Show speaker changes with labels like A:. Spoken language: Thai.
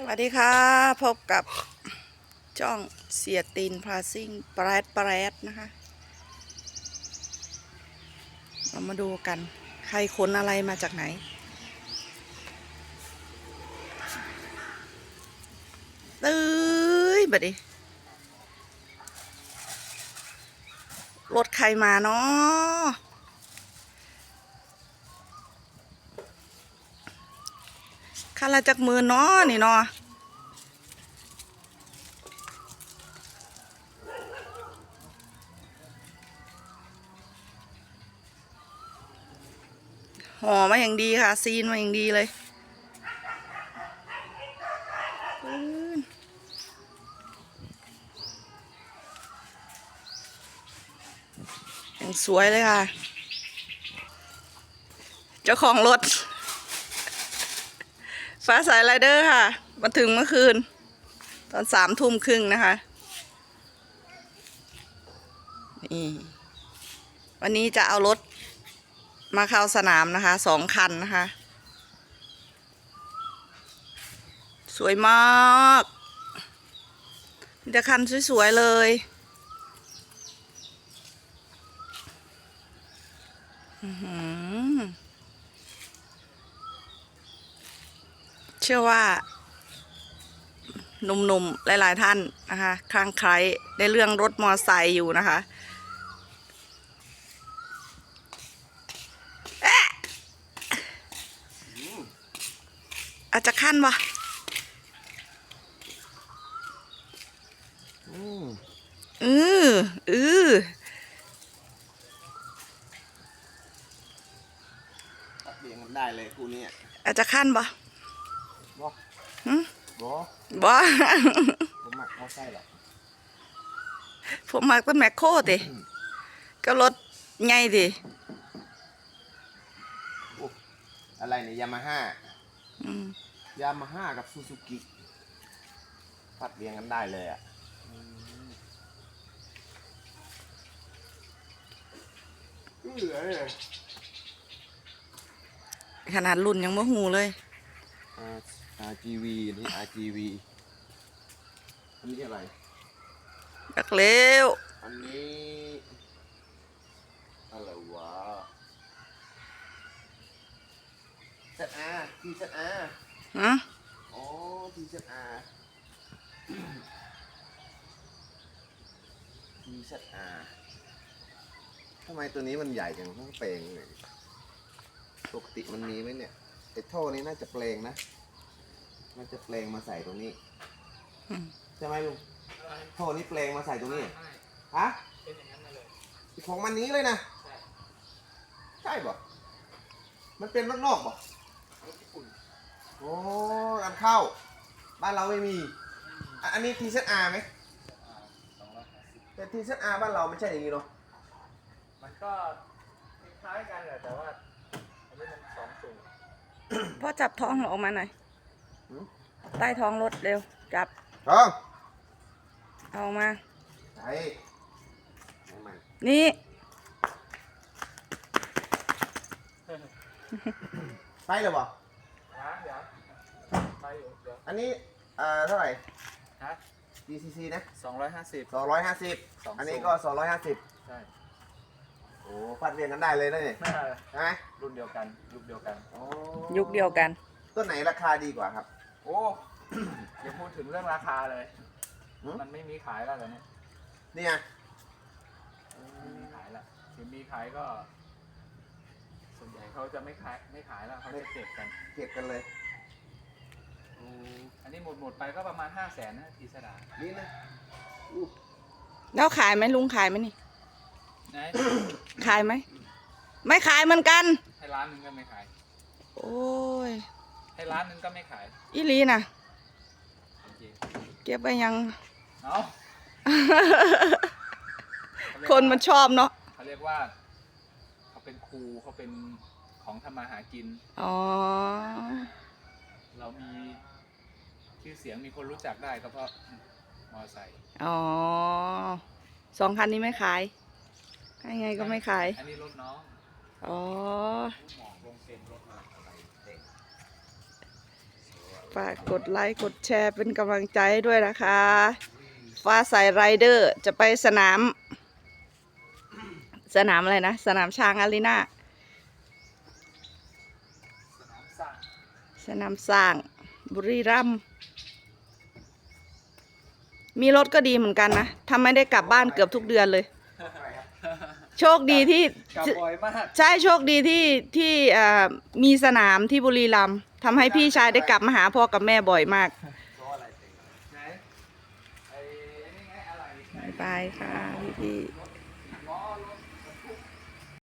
A: วัสดีค่ะพบกับจ้องเสียตีนพาซิ่งแปรดนะคะเรามาดูกันใครขนอะไรมาจากไหนเอ้ยบัดดิรถใครมาเนาะคันละจากมือเนาะนี่เนาะห่อมาอย่างดีค่ะซีนมาอย่างดีเลยอย่างสวยเลยค่ะเจ้าของรถฟ้าสายไรเดอร์ค่ะมาถึงเมื่อคืนตอน3 ทุ่มครึ่งนะคะนี่วันนี้จะเอารถมาเข้าสนามนะคะ2 คันนะคะสวยมากมีแต่คันสวยๆเลยเชื่อว่าหนุ่มๆหลายๆท่านนะคะคลั่งไคล้ในเรื่องรถมอไซค์อยู่นะคะอาจจะขั้นวะเออ
B: เรียงกันได้เลยคู่นี้
A: อาจจะขั้นวะ
B: บ่บ่
A: บ่
B: ผมหมักเอาไส้หรอ
A: ผมมาเป็นแมคโครดิก็รถไงดิ
B: อะไรเนี่ยยามาฮ่ากับซูซูกิพัดเรียงกันได้เลยอ่ะ
A: ขนาดรุ่นยังไม่หูเลย
B: RGV นี่ RGV อันนี้อะไร
A: ดักเร็ว
B: อันนี้อะไรวะZR TZR
A: ฮะ
B: อ๋อ TZRทำไมตัวนี้มันใหญ่จังต้องเปลงเลยปกติมันมีไหมเนี่ยไอ้ท่อนี้น่าจะเปลงนะน่าจะเปลงมาใส่ตรงนี้ใช่ไหมลุงท่อนี้เปลงมาใส่ตรงนี้ฮะของมันนี้เลยนะใช่ป่ะมันเป็นนอกๆป่ะโอ้นำเข้าบ้านเราไม่มีอันนี้ TZR ไหมแต่ TZR บ้านเราไม่ใช่อย่างนี้เนาะ
C: มันก็คล้ายกันแหละแต่ว่าอันนี้มัน2 สูง
A: พ่อจับท้องออกมาหน่อยใต้ท้องรถเร็วจับ
B: ท้อง
A: เอาออกมา
B: ใช่
A: นี่
B: ไปเลยป่ะ
C: เดี๋ยวไปอยู่เดี๋ยว
B: อันนี้เท่าไหร่
C: ฮะ
B: DCC นะ
C: 250
B: 250อันนี้ก็250
C: ใช่
B: โอ้พัดเรียงกันได้เลยนะเนี่ยใช่ไหม
C: รุ่นเดียวกันยุคเดียวกัน
A: ยุคเดียวกัน
B: ตัวไหนราคาดีกว่าครับ
C: โอ้อย่าพูดถึงเรื่องราคาเลยมันไม่มีขายแล้วเหรอเนี่ย
B: นี่ไง
C: ไม่มีขายแล้วถึงมีขายก็ส่วนใหญ่เขาจะไม่ขายแล้วเขาจะเก็บกัน
B: เลย
C: อันนี้หมดไปก็ประมาณ500,000นะทีสดา
B: นี่นะ
A: แล้วขายไหมลุงขายไหมนี่
C: ไหน
A: ขายไหมไม่ขายเหมือนกัน
C: ให้ร้านนึงก็ไม่ขาย
A: โอ้ย
C: ให้ร้านนึงก็ไม่ขาย
A: อีลีน่ะเก็บไปยัง
C: เนาะ
A: คนมันชอบเนาะ
C: เขาเรียกว่าเขาเป็นครูเขาเป็นของทำมาหากิน
A: อ๋อ
C: เรามีชื่อเสียงมีคนรู้จักได้ก็เพราะมอไซค์
A: อ๋อ2 คันนี้ไม่ขายให้ไงก็ไม่ขาย
C: อันนี้รถน้อง
A: อ๋อ
C: หมอกลงเซ็นรถมาอะไรเด็ก
A: ฝากกดไลค์กดแชร์เป็นกำลังใจให้ด้วยนะคะ ฟ้าใสไรเดอร์จะไปสนามอะไรนะ สนามช้างอารีนา
C: สนามสร้าง
A: สนามสร้างบุรีรัมย์มีรถก็ดีเหมือนกันนะทำไม่ได้กลับบ้านเกือบทุกเดือนเลย โชคดีที่
C: กลับบ่อยมาก
A: ใช่โชคดีที่มีสนามที่บุรีรัมย์ทำให้พี่ชายได้กลับมาหาพ่อกับแม่บ่อยมาก
C: เพราะอะไรเป็นไหนไอ้นี่ไงอะไร
A: บ๊ายบายค่ะพี่